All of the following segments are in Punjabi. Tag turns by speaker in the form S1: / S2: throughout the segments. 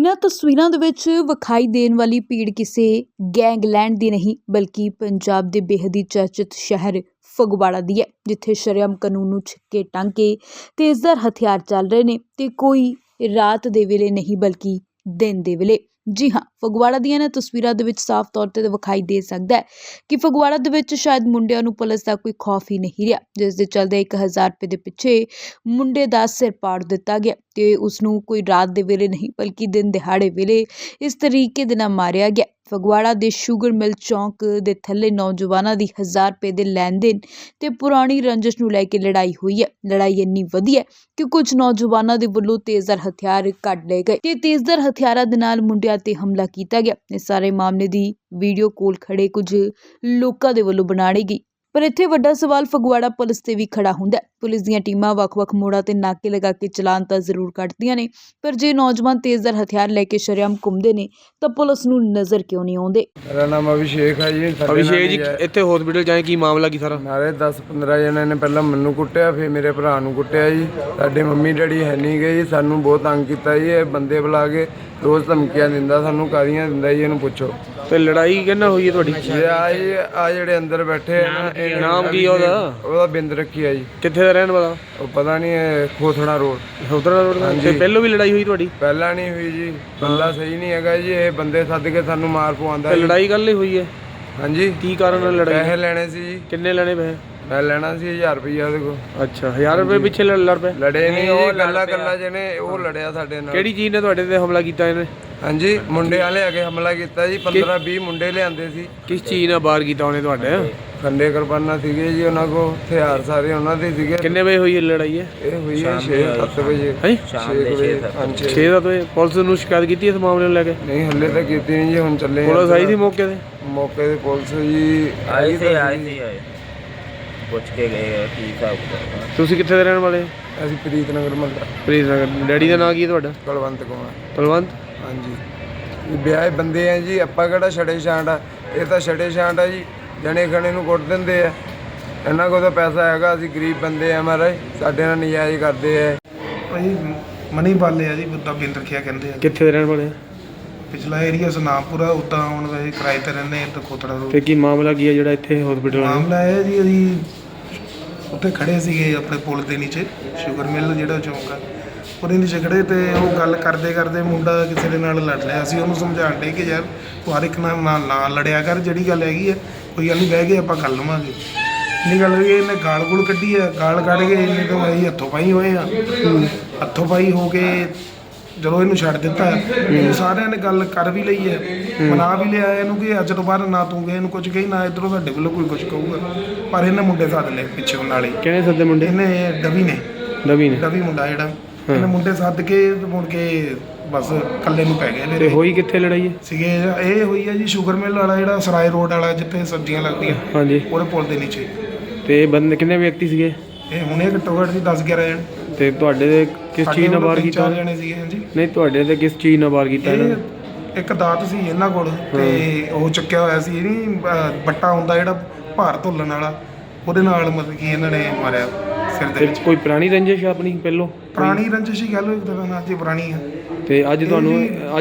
S1: इन्हां तस्वीरां दे विच विखाई देण वाली भीड़ किसी गैंगलैंड दी नहीं बल्कि पंजाब दे बेहद ही चर्चित शहर फगवाड़ा दी है, जिथे शरेआम कानून नूं छिक्के टांके तेज़दार हथियार चल रहे ने ते कोई रात दे वेले नहीं बल्कि दिन दे वेले। जी हाँ, फगवाड़ा ਦੀਆਂ ਇਹਨਾਂ तस्वीरां ਦੇ ਵਿੱਚ ਸਾਫ਼ तौर ਤੇ ਵਿਖਾਈ ਦੇ ਸਕਦਾ ਹੈ ਕਿ ਫਗਵਾੜਾ ਦੇ ਵਿੱਚ ਸ਼ਾਇਦ ਮੁੰਡਿਆਂ ਨੂੰ ਪੁਲਿਸ ਦਾ ਕੋਈ ਖੌਫ ਹੀ ਨਹੀਂ ਰਿਹਾ, ਜਿਸ ਦੇ ਚੱਲਦੇ 1000 ਰੁਪਏ ਦੇ ਪਿੱਛੇ ਮੁੰਡੇ ਦਾ ਸਿਰ ਪਾੜ ਦਿੱਤਾ ਗਿਆ ਤੇ ਉਸ ਨੂੰ ਕੋਈ ਰਾਤ ਦੇ ਵੇਲੇ ਨਹੀਂ ਬਲਕਿ ਦਿਨ ਦਿਹਾੜੇ ਵੇਲੇ ਇਸ ਤਰੀਕੇ ਦੇ ਨਾਲ ਮਾਰਿਆ ਗਿਆ। ਫਗਵਾੜਾ ਦੇ ਸ਼ੂਗਰ ਮਿਲ ਚੌਂਕ ਦੇ ਥੱਲੇ ਨੌਜਵਾਨਾਂ ਦੀ 1000 ਰੁਪਏ ਦੇ ਲੈਣ ਦੇਣ ਤੇ ਪੁਰਾਣੀ ਰੰਜਿਸ਼ ਨੂੰ ਲੈ ਕੇ ਲੜਾਈ ਹੋਈ ਹੈ। ਲੜਾਈ ਇੰਨੀ ਵਧੀ ਹੈ ਕਿ ਕੁਝ ਨੌਜਵਾਨਾਂ ਦੇ ਵੱਲੋਂ ਤੇਜ਼ਧਾਰ ਹਥਿਆਰ ਕੱਢ ਲਏ ਗਏ ਤੇ ਤੇਜ਼ਧਾਰ ਹਥਿਆਰਾਂ ਦੇ ਨਾਲ ਮੁੰਡਿਆਂ ਤੇ ਹਮਲਾ ਕੀਤਾ ਗਿਆ। ਇਸ ਸਾਰੇ ਮਾਮਲੇ ਦੀ ਵੀਡੀਓ ਕੋਲ ਖੜੇ ਕੁਝ ਲੋਕਾਂ ਦੇ ਵੱਲੋਂ ਬਣਾਈ ਗਈ। पर इत्थे वड्डा सवाल फगवाड़ा पुलिस ते भी खड़ा हुंदा है। पुलिस दीयां टीमां वख-वख मोड़ां ते नाके लगा के चलान तां जरूर कट्टदियां ने, पर जे नौजवान तेज़दार हथियार लैके शरेआम घुंमदे ने तां पुलिस नूं नज़र क्यों नहीं आउंदे।
S2: मेरा नाम अभिषेक है जी।
S3: अभिषेक जी इत्थे हॉस्पिटल जाए की मामला की सारा?
S2: नारे 10-15 जने ने पहला मैनू कुट्टिया, फिर मेरे भरा नूं कुट्टिया जी। साडे मम्मी डैडी है नहीं गए जी, सानू बहुत तंग कीता जी। ये बंदे बुला के रोज़ धमकियां दिंदा, सानू कादियां दिंदा जी। इहनूं पुछो
S3: ते लड़ाई किहने होई है तुहाडी?
S2: आ जेहड़े अंदर बैठे है ना,
S3: नाम की ओदा?
S2: ओदा बिंद रखी है जी।
S3: कित्थे दा रहने वाला?
S2: ਉਹ ਪਤਾ ਨਹੀਂ ਖੋਥੜਾ ਰੋਡ।
S3: ਖੋਥੜਾ ਰੋਡ ਤੇ ਪਹਿਲੋਂ ਵੀ ਲੜਾਈ ਹੋਈ ਤੁਹਾਡੀ?
S2: ਪਹਿਲਾਂ ਨਹੀਂ ਹੋਈ ਜੀ, ਬੰਦਾ ਸਹੀ ਨਹੀਂ ਹੈਗਾ ਜੀ। ਇਹ ਬੰਦੇ ਸੱਦ ਕੇ ਸਾਨੂੰ ਮਾਰ ਪਵਾਉਂਦਾ।
S3: ਲੜਾਈ ਕੱਲ ਹੀ ਹੋਈ ਹੈ?
S2: ਹਾਂਜੀ।
S3: ਕੀ ਕਾਰਨ ਨਾਲ ਲੜਾਈ?
S2: ਪੈਸੇ ਲੈਣੇ ਸੀ ਜੀ।
S3: ਕਿੰਨੇ ਲੈਣੇ ਪੈਸੇ?
S2: ਮੈਂ ਲੈਣਾ ਸੀ 1000 ਰੁਪਈਆ ਉਹਦੇ ਕੋਲ।
S3: ਅੱਛਾ, 1000 ਰੁਪਏ ਪਿੱਛੇ ਲੜ ਪਏ?
S2: ਲੜੇ ਨਹੀਂ ਜੀ, ਗੱਲਾਂ ਜਿਹਨੇ ਉਹ ਲੜਿਆ ਸਾਡੇ ਨਾਲ।
S3: ਕਿਹੜੀ ਚੀਜ਼ ਨੇ ਤੁਹਾਡੇ ਤੇ ਹਮਲਾ ਕੀਤਾ ਇਹਨੇ?
S2: ਹਾਂਜੀ, ਮੁੰਡੇ ਵਾਲੇ ਆ ਕੇ ਹਮਲਾ ਕੀਤਾ ਜੀ। 15-20 ਮੁੰਡੇ ਲਿਆਂਦੇ ਸੀ।
S3: ਕਿਸ ਚੀਜ਼ ਨਾਲ ਵਾਰ ਕੀਤਾ ਉਹਨੇ ਤੁਹਾਡੇ?
S2: ਖੰਡੇ ਕਿਰਪਾਨਾਂ ਸੀਗੇ ਜੀ ਉਹਨਾਂ ਕੋਲ, ਹਥਿਆਰ ਸਾਰੇ ਉਹਨਾਂ ਦੇ ਸੀਗੇ।
S3: ਕਿੰਨੇ ਵਜੇ ਹੋਈ ਇਹ ਲੜਾਈ ਹੈ?
S2: ਇਹ ਹੋਈ ਹੈ 6-7 ਵਜੇ।
S3: ਹੈ
S2: 6 ਵਜੇ।
S3: 6-7 ਵਜੇ। ਪੁਲਿਸ ਨੂੰ ਸ਼ਿਕਾਇਤ ਕੀਤੀ ਇਸ ਮਾਮਲੇ ਨੂੰ ਲੈ ਕੇ?
S2: ਨਹੀਂ, ਹੱਲੇ ਤਾਂ ਕੀਤੀ ਨਹੀਂ ਜੀ। ਹੁਣ ਚੱਲੇ
S3: ਪੁਲਿਸ ਆਈ ਸੀ ਮੌਕੇ ਤੇ?
S2: ਮੌਕੇ ਤੇ ਪੁਲਿਸ ਜੀ ਆਈ ਸੀ।
S4: ਪੁੱਛ ਕੇ ਗਏ ਕੀ ਹਿਸਾਬ।
S3: ਤੁਸੀਂ ਕਿੱਥੇ ਦੇ ਰਹਿਣ ਵਾਲੇ?
S2: ਅਸੀਂ ਪ੍ਰੀਤਨਗਰ ਮਹੱਲਾ।
S3: ਪ੍ਰੀਤਨਗਰ। ਡੈਡੀ ਦਾ ਨਾਂ ਕੀ ਹੈ ਤੁਹਾਡਾ?
S2: ਕੁਲਵੰਤ ਕੁਮਾਰ।
S3: ਕੁਲਵੰਤ?
S2: ਹਾਂਜੀ। ਵਿਆਹੇ ਬੰਦੇ ਆ ਜੀ, ਆਪਾਂ ਕਿਹੜਾ ਛੜੇ ਛਾਂਟ ਆ। ਇਹ ਤਾਂ ਛੜੇ ਛਾਂਟ ਆ ਜੀ, ਜਣੇ ਖਣੇ ਨੂੰ ਕੁੱਟ ਦਿੰਦੇ ਆ। ਇਹਨਾਂ ਕੋਲ ਤਾਂ ਪੈਸਾ ਹੈਗਾ, ਅਸੀਂ ਗਰੀਬ ਬੰਦੇ ਆ ਮਹਾਰਾਜ, ਸਾਡੇ ਨਾਲ ਨਜਾਇਜ਼ ਕਰਦੇ ਆ।
S5: ਭਾਈ ਮਨੀ ਬਾਲੇ ਆ ਜੀ, ਬੁੱਧਾ ਬਿੰਦ ਰੱਖਿਆ ਕਹਿੰਦੇ ਆ।
S3: ਕਿੱਥੇ ਦੇ ਰਹਿਣ ਵਾਲੇ?
S5: ਪਿਛਲਾ ਏਰੀਆ ਸੁਨਾਮਪੁਰਾ। ਉੱਦਾਂ ਹੁਣ ਵੈਸੇ ਕਿਰਾਏ ਤੇ ਰਹਿੰਦੇ ਇੱਥੇ ਖੋਤੜਾ ਰੋਡ।
S3: ਤੇ ਕੀ ਮਾਮਲਾ ਕੀ ਹੈ ਜਿਹੜਾ ਇੱਥੇ ਹਸਪੀਟਲ?
S5: ਮਾਮਲਾ ਇਹ ਜੀ, ਅਸੀਂ ਉੱਥੇ ਖੜੇ ਸੀਗੇ ਆਪਣੇ ਪੁਲ ਦੇ ਨੀਚੇ, ਸ਼ੂਗਰ ਮਿਲ ਜਿਹੜਾ ਚੌਂਕ ਆ, ਉਹਦੇ ਨੀਚੇ ਖੜੇ ਤੇ ਉਹ ਗੱਲ ਕਰਦੇ ਕਰਦੇ ਮੁੰਡਾ ਕਿਸੇ ਦੇ ਨਾਲ ਲੜ ਰਿਹਾ। ਅਸੀਂ ਉਹਨੂੰ ਸਮਝਾਉਣ ਡੇ ਕਿ ਯਾਰ ਤੂੰ ਹਰ ਇੱਕ ਨਾਲ ਨਾ ਲੜਿਆ ਕਰ, ਜਿਹੜੀ ਗੱਲ ਹੈਗੀ ਹੈ ਕੋਈ ਗੱਲ ਨਹੀਂ, ਬਹਿ ਕੇ ਆਪਾਂ ਕਰ ਲਵਾਂਗੇ। ਇੰਨੀ ਗੱਲ ਹੋਈ, ਇਹਨੇ ਗਾਲ ਗੂਲ ਕੱਢੀ ਆ। ਗਾਲ ਕੱਢ ਕੇ ਇਹਨੇ ਤਾਂ ਅਸੀਂ ਹੱਥੋਂ ਪਾਈ ਹੋਏ ਆ। ਹੱਥੋਂ ਪਾਈ ਹੋ ਕੇ ਜਦੋਂ ਇਹਨੂੰ ਛੱਡ ਦਿੱਤਾ, ਸਾਰਿਆਂ ਨੇ ਗੱਲ ਕਰ ਵੀ ਲਈ ਹੈ, ਮਨਾ ਵੀ ਲਿਆ ਇਹਨੂੰ ਕਿ ਅੱਜ ਤੋਂ ਬਾਅਦ ਨਾ ਤੂੰ ਇਹਨੂੰ ਕੁਝ ਕਹੀ, ਨਾ ਇੱਧਰੋਂ ਸਾਡੇ ਵੱਲੋਂ ਕੋਈ ਕੁਝ ਕਹੂਗਾ। ਪਰ ਇਹਨੇ ਮੁੰਡੇ ਸੱਦ ਲਏ ਪਿੱਛੇ ਨਾਲ ਹੀ।
S3: ਕਿਹਨੇ ਸੱਦੇ ਮੁੰਡੇ?
S5: ਇਹਨੇ ਡਵੀ ਨੇ ਡਵੀ ਮੁੰਡਾ ਜਿਹੜਾ, ਇਹਨੇ ਮੁੰਡੇ ਸੱਦ ਕੇ ਮੁੜ ਕੇ ਬਸ ਇਕੱਲੇ ਨੂੰ ਪੈ ਗਏ।
S3: ਤੇ ਹੋਈ ਕਿੱਥੇ ਲੜਾਈ
S5: ਸੀਗੇ? ਇਹ ਹੋਈ ਹੈ ਜੀ ਸ਼ੂਗਰ ਮਿਲ ਵਾਲਾ, ਜਿਹੜਾ ਸਰਾਏ ਰੋਡ ਵਾਲਾ ਜਿੱਥੇ ਸਬਜ਼ੀਆਂ ਲੱਗਦੀਆਂ।
S3: ਹਾਂਜੀ।
S5: ਉਹਦੇ ਪੁਲ ਦੇ ਨੀਚੇ।
S3: ਤੇ ਬੰਦੇ ਕਿੰਨੇ ਵਿਅਕਤੀ ਸੀਗੇ?
S5: ਇਹ ਹੁਣੇ ਘੱਟੋ ਘੱਟ ਸੀ 10-11 ਜਣ।
S3: ਤੇ ਤੁਹਾਡੇ ਤੇ ਕਿਸ ਚੀਜ਼ ਨਾਲ ਵਾਰ ਕੀਤਾ?
S5: 4 ਜਣੇ ਸੀਗੇ। ਹਾਂਜੀ।
S3: ਨਹੀਂ, ਤੁਹਾਡੇ ਤੇ ਕਿਸ ਚੀਜ਼ ਨਾਲ ਵਾਰ ਕੀਤਾ ਇਹਨਾਂ ਨੇ?
S5: ਇੱਕ ਦਾਤ ਸੀ ਇਹਨਾਂ ਕੋਲ ਤੇ ਉਹ ਚੱਕਿਆ ਹੋਇਆ ਸੀ, ਨਹੀਂ ਬੱਟਾ ਹੁੰਦਾ ਜਿਹੜਾ ਭਾਰ ਧੁੱਲਣ ਵਾਲਾ, ਉਹਦੇ ਨਾਲ ਮਤਲਬ ਕਿ ਇਹਨਾਂ ਨੇ ਮਾਰਿਆ ਸਿਰ ਦੇ ਵਿੱਚ।
S3: ਕੋਈ ਪੁਰਾਣੀ ਰੰਜਿਸ਼ ਆਪਣੀ ਪਹਿਲੋਂ?
S5: ਪੁਰਾਣੀ ਰੰਜਿਸ਼ ਹੀ ਗੱਲ ਇੱਕ ਤਰ੍ਹਾਂ ਨਾਲ ਜੀ, ਪੁਰਾਣੀ ਆ।
S3: ਤੇ ਅੱਜ ਤੁਹਾਨੂੰ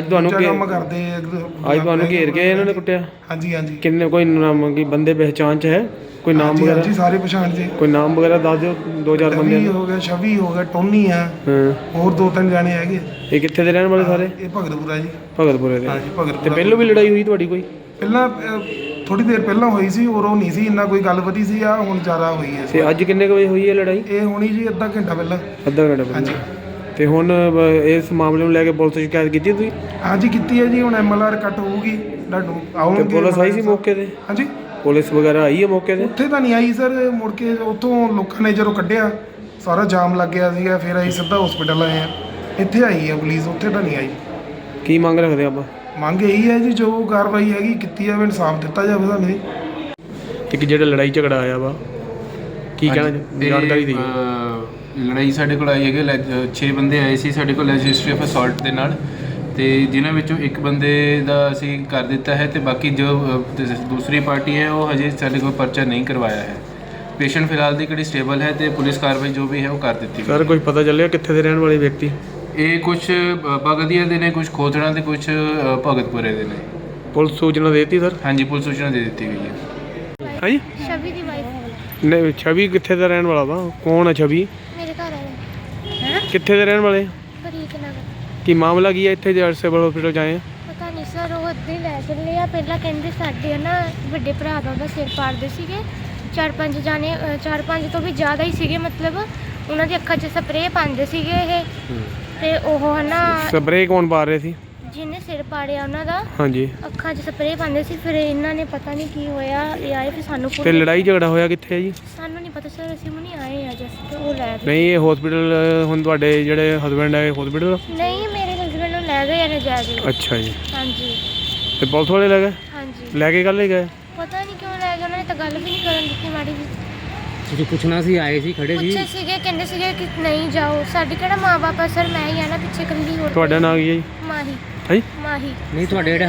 S5: ਕੰਮ ਕਰਦੇ
S3: ਅੱਜ ਤੁਹਾਨੂੰ ਘੇਰ ਕੇ ਇਹਨਾਂ ਨੇ ਕੁੱਟਿਆ?
S5: ਹਾਂਜੀ ਹਾਂਜੀ।
S3: ਕਿੰਨੇ ਕੋਈ ਨਾਮ ਕੀ ਬੰਦੇ ਪਹਿਚਾਣ ਚ ਹੈ? ਕੋਈ ਨਾਮ ਵਗੈਰਾ?
S5: ਜੀ ਸਾਰੇ ਪਛਾਣ ਜੀ।
S3: ਕੋਈ ਨਾਮ ਵਗੈਰਾ ਦੱਸ ਦਿਓ। 2-4 ਬੰਦੇ
S5: ਹੋ ਗਏ, ਛਵੀ ਹੋ ਗਿਆ, ਟੋਨੀ ਆ, ਹੋਰ 2-3 ਜਾਣੇ ਹੈਗੇ।
S3: ਇਹ ਕਿੱਥੇ ਦੇ ਰਹਿਣ ਵਾਲੇ ਸਾਰੇ?
S5: ਇਹ ਭਗਤਪੁਰਾ ਜੀ।
S3: ਭਗਤਪੁਰੇ ਦੇ?
S5: ਹਾਂਜੀ, ਭਗਤਪੁਰਾ।
S3: ਤੇ ਪਹਿਲੋਂ ਵੀ ਲੜਾਈ ਹੋਈ ਤੁਹਾਡੀ ਕੋਈ?
S5: ਪਹਿਲਾਂ ਥੋੜੀ ਦੇਰ ਪਹਿਲਾਂ ਹੋਈ ਸੀ, ਉਹ ਨਹੀਂ ਸੀ ਇੰਨਾ ਕੋਈ ਗੱਲ ਵਧੀ ਸੀ। ਆ ਹੁਣ ਜ਼ਿਆਦਾ ਹੋਈ ਹੈ।
S3: ਤੇ ਅੱਜ ਕਿੰਨੇ ਵਜੇ ਹੋਈ ਹੈ ਲੜਾਈ?
S5: ਇਹ ਹੋਣੀ ਜੀ ਅੱਧਾ ਘੰਟਾ ਪਹਿਲਾਂ।
S3: ਅੱਧਾ ਘੰਟਾ ਪਹਿਲਾਂ? ਹਾਂਜੀ। ਤੇ ਹੁਣ ਇਸ ਮਾਮਲੇ ਨੂੰ ਲੈ ਕੇ ਪੁਲਿਸ ਸ਼ਿਕਾਇਤ ਕੀਤੀ ਤੁਸੀਂ?
S5: ਹਾਂਜੀ ਕੀਤੀ ਹੈ ਜੀ। ਹੁਣ MLR ਕੱਟ ਹੋਊਗੀ, ਤੁਹਾਨੂੰ ਆਉਣਗੇ।
S3: ਤੇ ਪੁਲਿਸ ਆਈ ਸੀ ਮੌਕੇ ਤੇ?
S5: ਹਾਂਜੀ,
S3: ਪੁਲਿਸ ਵਗੈਰਾ ਆਈ ਹੈ ਮੌਕੇ ਤੇ?
S5: ਉੱਥੇ ਤਾਂ ਨਹੀਂ ਆਈ ਸਰ। ਮੁੜ ਕੇ ਉੱਥੋਂ ਲੋਕਾਂ ਨੇ ਜਦੋਂ ਕੱਢਿਆ, ਸਾਰਾ ਜਾਮ ਲੱਗ ਗਿਆ ਸੀਗਾ, ਫਿਰ ਅਸੀਂ ਸਿੱਧਾ ਹਸਪੀਟਲ ਆਏ ਆ। ਇੱਥੇ ਆਈ ਹੈ ਪੁਲਿਸ, ਉੱਥੇ ਤਾਂ ਨਹੀਂ ਆਈ।
S3: ਕੀ ਮੰਗ ਰੱਖਦੇ ਆਪਾਂ?
S5: ਮੰਗ ਇਹੀ ਹੈ ਜੀ, ਜੋ ਕਾਰਵਾਈ ਹੈਗੀ ਕੀਤੀ ਜਾਵੇ, ਇਨਸਾਫ ਦਿੱਤਾ ਜਾਵੇ ਸਾਨੂੰ।
S3: ਇੱਕ ਜਿਹੜਾ ਲੜਾਈ ਝਗੜਾ ਆਇਆ ਵਾ, ਕੀ ਕਹਿਣਾ ਜਾਣਕਾਰੀ ਦੀ?
S4: ਲੜਾਈ ਸਾਡੇ ਕੋਲ ਆਈ ਹੈਗੇ 6 ਬੰਦੇ ਆਏ ਸੀ ਸਾਡੇ ਕੋਲ ਰਜਿਸਟਰੀ ਆਫ ਅਸੌਲਟ ਦੇ ਨਾਲ, ਤੇ ਜਿਨ੍ਹਾਂ ਵਿੱਚੋਂ ਇੱਕ ਬੰਦੇ ਦਾ ਅਸੀਂ ਕਰ ਦਿੱਤਾ ਹੈ, ਤੇ ਬਾਕੀ ਜੋ ਦੂਸਰੀ ਪਾਰਟੀ ਹੈ ਉਹ ਹਜੇ ਸਾਡੇ ਕੋਲ ਪਰਚਾ ਨਹੀਂ ਕਰਵਾਇਆ ਹੈ। ਪੇਸ਼ੈਂਟ ਫਿਲਹਾਲ ਦੀ ਕਿਹੜੀ ਸਟੇਬਲ ਹੈ, ਤੇ ਪੁਲਿਸ ਕਾਰਵਾਈ ਜੋ ਵੀ ਹੈ ਉਹ ਕਰ ਦਿੱਤੀ।
S3: ਸਰ ਕੋਈ ਪਤਾ ਚੱਲਿਆ ਕਿੱਥੇ ਦੇ ਰਹਿਣ ਵਾਲੇ ਵਿਅਕਤੀ?
S4: ਇਹ ਕੁਝ ਬਗਦੀਆ ਦੇ ਨੇ, ਕੁਝ ਖੋਤੜਾ ਤੇ ਕੁਝ ਭਗਤਪੁਰੇ ਦੇ ਨੇ।
S3: ਪੁਲਿਸ ਸੂਚਨਾ ਦੇ ਦਿੱਤੀ ਸਰ?
S4: ਹਾਂਜੀ, ਪੁਲਿਸ ਸੂਚਨਾ ਦੇ ਦਿੱਤੀ ਗਈ ਹੈ।
S3: ਹਾਂਜੀ
S6: ਛਵੀ ਦੀ ਵਾਈਫ
S3: ਨਹੀਂ, ਛਵੀ ਕਿੱਥੇ ਦਾ ਰਹਿਣ ਵਾਲਾ ਵਾ? ਕੌਣ ਹੈ ਛਵੀ?
S6: ਮੇਰੇ ਘਰ ਵਾਲੇ
S3: ਕਿੱਥੇ ਦੇ ਰਹਿਣ ਵਾਲੇ?
S6: ਬਰੀਕ ਨਗਰ।
S3: ਕੀ ਮਾਮਲਾ ਕੀ ਹੈ ਇੱਥੇ ਜੇ ਸਿਵਲ ਹਸਪੀਟਲ ਜਾਏ ਆ?
S6: ਪਤਾ ਨਹੀਂ ਸਰ, ਉਹ ਅੱਧੇ ਲੈ ਚੱਲੇ ਆ। ਪਹਿਲਾਂ ਕਹਿੰਦੇ ਸਾਡੇ ਨਾ ਵੱਡੇ ਭਰਾ ਦਾ ਉਹਦਾ ਸਿਰ ਪਾੜਦੇ ਸੀਗੇ, 4-5 ਜਾਣੇ, 4-5 ਤੋਂ ਵੀ ਜ਼ਿਆਦਾ ਹੀ ਸੀਗੇ। ਮਤਲਬ ਉਹਨਾਂ ਦੀ ਅੱਖਾਂ 'ਚ ਸਪਰੇਅ ਪਾਉਂਦੇ ਸੀਗੇ ਇਹ, ਤੇ ਉਹ ਹੈ ਨਾ
S3: ਸਪਰੇਅ ਕੌਣ ਪਾ ਰਹੇ ਸੀ?
S6: ਜਿਹਨੇ ਸਿਰ ਪਾੜਿਆ ਉਹਨਾਂ ਦਾ
S3: ਹਾਂਜੀ।
S6: ਅੱਖਾਂ 'ਚ ਸਪਰੇਅ ਪਾਉਂਦੇ ਸੀ। ਫਿਰ ਇਹਨਾਂ ਨੇ ਪਤਾ ਨਹੀਂ ਕੀ ਹੋਇਆ, ਇਹ ਆਏ ਫਿਰ ਸਾਨੂੰ
S3: ਤੇ ਲੜਾਈ ਝਗੜਾ ਹੋਇਆ ਕਿੱਥੇ ਹੈ ਜੀ?
S6: ਸਾਨੂੰ ਨਹੀਂ ਪਤਾ ਸਰ, ਅਸੀਂ ਹੁਣੀ ਆਏ ਆ ਜਸ ਤੇ ਉਹ ਲੈ ਗਏ।
S3: ਨਹੀਂ, ਇਹ ਹਸਪੀਟਲ ਹੁਣ ਤੁਹਾਡੇ ਜਿਹੜੇ ਹਸਬੈਂਡ ਹੈ ਹਸਪੀਟਲ?
S6: ਨਹੀਂ, ਮੇਰੇ ਹਸਬੈਂਡ ਨੂੰ ਲੈ ਗਏ ਆ ਨਜਾਇਜ਼।
S3: ਅੱਛਾ ਜੀ।
S6: ਹਾਂਜੀ
S3: ਤੇ ਪੁਲਿਸ ਵਾਲੇ ਲੈ ਗਏ?
S6: ਹਾਂਜੀ।
S3: ਲੈ ਕੇ ਕੱਲ੍ਹ ਹੀ ਗਏ?
S6: ਪਤਾ ਨਹੀਂ ਕਿਉਂ ਲੈ ਗਏ, ਉਹਨਾਂ ਨੇ ਤਾਂ ਗੱਲ ਵੀ ਨਹੀਂ ਕਰਨ ਦਿੱਤੀ ਮਾੜੀ ਜੀ।
S7: ਤੁਸੀਂ ਪੁੱਛਣਾ ਸੀ, ਆਏ ਸੀ, ਖੜੇ ਸੀ?
S6: ਪੁੱਛੇ ਸੀਗੇ, ਕਹਿੰਦੇ ਸੀਗੇ ਕਿ ਨਹੀਂ ਜਾਓ। ਸਾਡੇ ਕਿਹੜਾ ਮਾਂ ਬਾਪ ਆ ਸਰ, ਮੈਂ ਹੀ ਆ ਨਾ ਪਿੱਛੇ ਇਕੱਲੀ। ਹੋਰ
S3: ਤੁਹਾਡਾ ਨਾਂ ਕੀ ਹੈ ਜੀ?
S6: ਮਾਹੀ।
S3: ਹਾਂਜੀ।
S6: ਮਾਹੀ।
S7: ਨਹੀਂ, ਤੁਹਾਡੇ ਜਿਹੜੇ